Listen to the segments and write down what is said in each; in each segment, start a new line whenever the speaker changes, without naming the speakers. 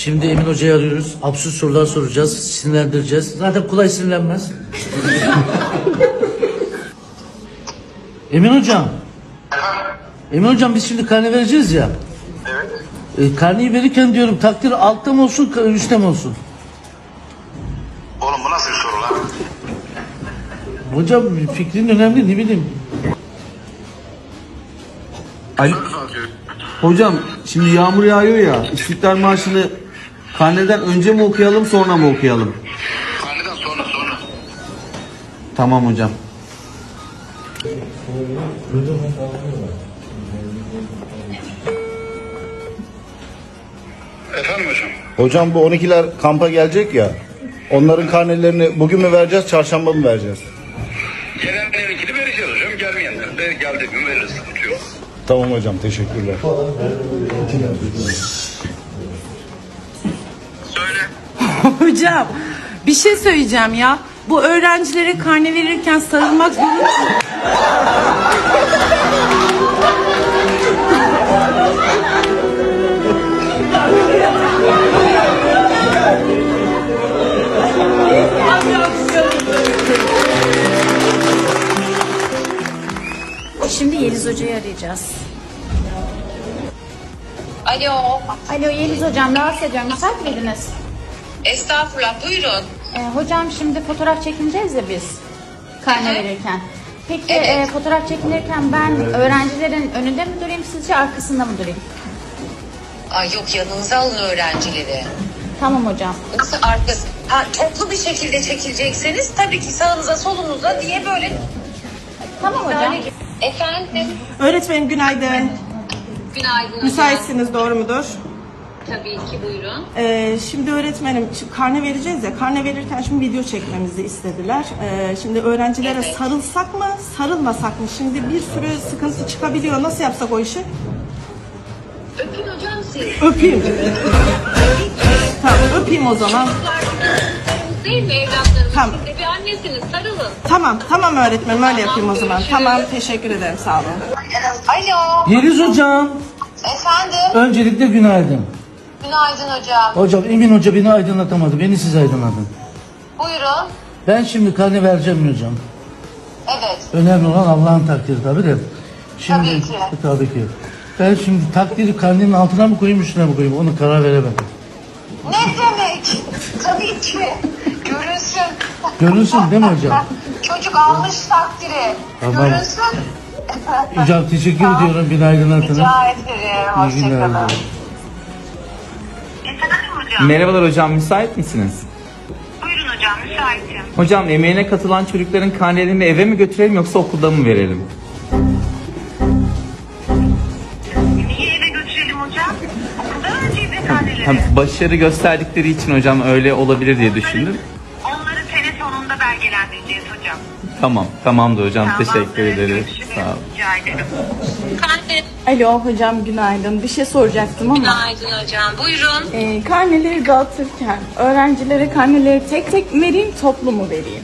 Şimdi Emin Hoca'yı arıyoruz. Absürt sorular soracağız. Sinirlendireceğiz. Zaten kolay sinirlenmez. Emin Hocam. Emin Hocam biz şimdi karne vereceğiz ya.
Evet.
Karneyi verirken diyorum takdir altta mı olsun üstte mi olsun?
Oğlum bu nasıl bir soru lan?
Hocam fikrin önemli, ne bileyim.
Ali, hocam şimdi yağmur yağıyor ya, İstiklal Marşı'nı karneden önce mi okuyalım sonra mı okuyalım?
Karneden sonra.
Tamam hocam.
Efendim hocam?
Hocam bu 12'ler kampa gelecek ya. Onların karnelerini bugün mü vereceğiz, çarşamba mı vereceğiz?
Gelenlerinkini vereceğiz hocam. Gelmeyenlerin de geldiği gün veririz. Sıkıntı yok.
Tamam hocam, teşekkürler.
Söyle.
Hocam bir şey söyleyeceğim ya. Bu öğrencilere karne verirken sarılmak zorunda mı?
Şimdi Yeliz Hoca'yı arayacağız.
Alo.
Alo Yeliz Hocam, rahatsız ediyorum. Müsait miydiniz?
Estağfurullah, buyurun.
Hocam şimdi fotoğraf çekineceğiz ya biz. Karne verirken. Peki
Evet.
fotoğraf çekinirken ben öğrencilerin önünde mi durayım sizce arkasında mı durayım?
Ay yok, yanınıza alın öğrencileri.
Tamam hocam.
Nasıl arkası? Toplu bir şekilde çekilecekseniz tabii ki sağınıza solunuza diye böyle.
Tamam hocam.
Efendim,
Öğretmenim günaydın.
günaydın hocam.
Müsaitsiniz, doğru mudur?
Tabii ki, buyurun.
Şimdi öğretmenim karne vereceğiz ya. Karne verirken şimdi video çekmemizi istediler. Şimdi öğrencilere
Evet.
sarılsak mı, sarılmasak mı? Şimdi bir sürü sıkıntı çıkabiliyor. Nasıl yapsak o işi?
Öpün hocam siz.
Öpeyim. Tamam, öpeyim o zaman.
Değil mi evlatlarım?
Tamam.
Siz de bir annesiniz, sarılın.
Tamam öğretmenim, öyle yapayım o zaman. Tamam, teşekkür ederim, sağ olun.
Alo.
Yeliz Hocam.
Efendim,
Öncelikle günaydın.
günaydın hocam.
Hocam Emin Hoca beni aydınlatamadı. Beni siz aydınlatın.
Buyurun.
Ben şimdi karne vereceğim mi hocam?
Evet.
Önemli olan Allah'ın takdiri tabii de. Şimdi,
Tabii ki.
Tabii ki. Ben şimdi takdiri karnenin altına mı koyayım üstüne mi koyayım onu karar veremedim.
Ne demek? Tabii ki. Görünsün.
Görünsün değil mi hocam?
Çocuk almış takdiri.
Tamam.
Görünsün.
Hocam teşekkür ediyorum beni aydınlattınız.
Rica ederim.
İyi günler.
Hoşçakalın. Efendim hocam.
Merhabalar hocam, müsait misiniz?
Buyurun hocam, müsaitim.
Hocam emeğine katılan çocukların karnelerini eve mi götürelim yoksa okulda mı verelim?
Niye eve götürelim hocam? Okulda vereceğiz efendileri.
Başarı gösterdikleri için hocam öyle olabilir diye düşündüm.
Onları sene sonunda belgelendireceğiz hocam.
Tamamdır hocam, teşekkür
Tamamdır,
ederiz.
görüşürüz.
Sağ olun.
Rica ederim.
Alo hocam günaydın. Bir şey soracaktım ama.
Günaydın hocam. Buyurun.
Karneleri dağıtırken öğrencilere karneleri tek tek mi vereyim, toplu mu vereyim?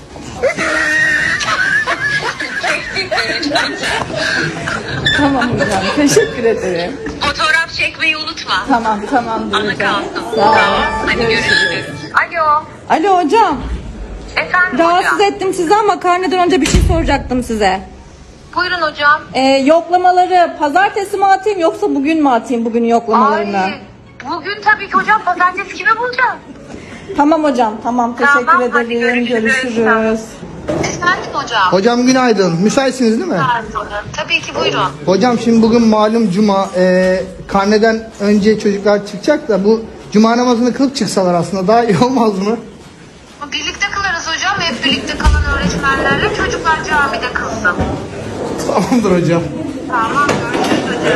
Tamam hocam, teşekkür ederim.
Fotoğraf çekmeyi unutma.
Tamamdır
Ana
hocam.
kalsın.
Sağ olun.
Hadi görüşürüz. Alo.
Alo hocam.
Efendim
Rahatsız
hocam.
ettim sizi ama karneden önce bir şey soracaktım size.
Buyurun hocam.
Yoklamaları pazartesi mi atayım yoksa bugün mü atayım bugün yoklamalarını?
Ay, bugün tabii ki hocam, pazartesi kimi bulacağım?
Tamam hocam, tamam teşekkür
Tamam, hadi
ederim.
görüşürüz.
Görüşürüz.
Efendim hocam.
Hocam günaydın. Müsaitsiniz değil mi?
Tabii ki, buyurun.
Hocam şimdi bugün malum cuma. Karneden önce çocuklar çıkacak da bu cuma namazını kılıp çıksalar aslında daha iyi olmaz mı?
Birlikte kılarız hocam. Hep birlikte kalan öğretmenlerle çocuklar camide kılsın.
Tamamdır hocam.
Tamam, görüşürüz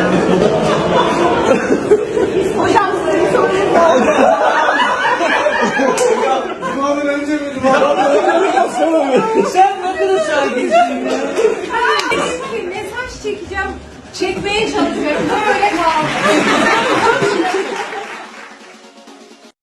hocam.
Sen ne kadar sakinsin ya.
Mesaj çekeceğim. Çekmeye çalışıyorum. Böyle kaldı.